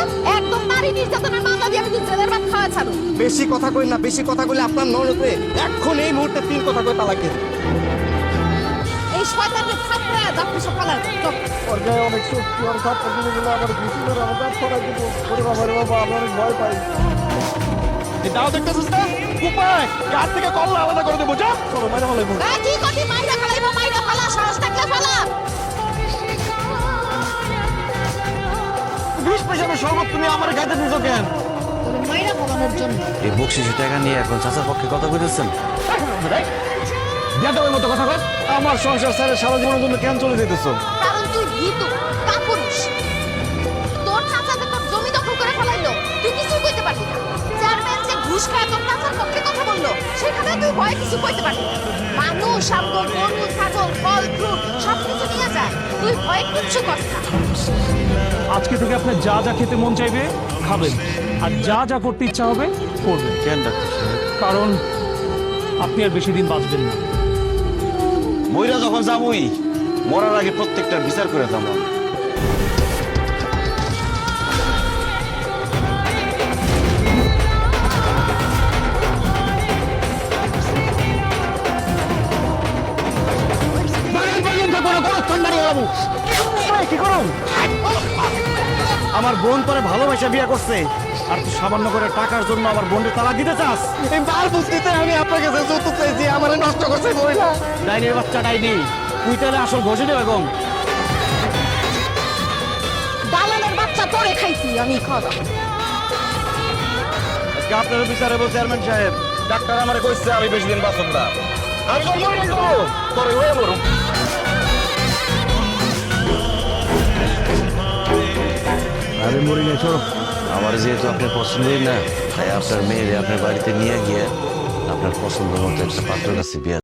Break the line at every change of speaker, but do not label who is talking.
একদম নারী নির্যাতনের মামলা দিয়ে আমি জেলের ভাত খাওয়া ছাড়ো।
বেশি কথা কই না, বেশি কথা কইলে আপনার ননদে এখন এই মুহূর্তে 3 কথা কই তালাক দিয়ে।
এই শয়তানকে থাপড়ায় আপনি সব পালা
ওর গায়ে অনেক শক্তি, আর সাত দিনে গেলে আমার ঘুষি ধরে আমার দাঁত ছড়াই দিব। ওরে বাবা রে বাবা, আমি অনেক ভয় পাই।
দাও দেখতেছিস না উপায় কার থেকে কল্লা আলাদা করে দেবো। যা
চলো মাইরা ফেলাই বল।
কি কতি মাইরা ফেলাইবো, মাইরা ফেলা, সাহস থাকলে ফেলা।
20 পয়সার শরবত তুমি আমার গাইতে দিছো কেন?
তোরে মাইরা ফেলানোর জন্য।
এই বকশিসের টাকা নিয়ে এখন চাচার পক্ষে কথা কইতেছেন?
বেদবের মতো কথা কর। আমার সংসার ছেড়ে সারা জীবনের জন্য কেন চলে যেতেছো?
কারণ তুই ভীতু, কাপুরুষ। তোর চাচা যে তোর জমি দখল করে ফেলাইলো, তুই কিছুই কইতে পারবি না। চেয়ারম্যান যে ঘুষ খায় তোর চাচার পক্ষে কথা বললো, সেখানে তুই ভয় কিছু কইতে পারবি না। মানুষ আমগো গরু, ছাগল, ফল, ফ্রুট সবকিছু নিয়ে যায়, তুই ভয় কিচ্ছু কর না।
আজকে থেকে আপনার যা যা খেতে মন চাইবে খাবেন, আর যা যা করতে ইচ্ছা হবে করবেন।
কেন ডাক্তার সাহেব?
কারণ আপনি আর বেশি দিন বাঁচবেন না।
মইরা যখন যাবই, মরার আগে প্রত্যেকটা বিচার করে যাবো।
কি করুন? আমার বোন তোরে ভালোবাসা বিয়ে করছে, আর তুই সামান্য করে টাকার জন্য আমার বোনকে তালাক দিতে চাস?
এই বাল বুঝতে আমি আপনার কাছে যৌতুক চাইছি, আমারে নষ্ট করছে বইলা।
ডাইনির বাচ্চা ডাইনি, তুই তাহলে আসল ঘষে বেগম।
দালালের বাচ্চা তোরে খাইছি আমি, খাওয়া দাও।
আজকে আপনার বিচারে বলছে চেয়ারম্যান সাহেব, ডাক্তার আমারে কইছে আমি বেশি দিন বাঁচব না। আমি তো মরে যাবো, তোরে হয়ে মরুম।
আরে মরি নাই, সরব।
আমার যেহেতু আপনার পছন্দই না, তাই আপনার মেয়েরে আপনার বাড়িতে নিয়ে গিয়ে আপনার পছন্দ মতো একটা পাত্র কাছে বিয়ে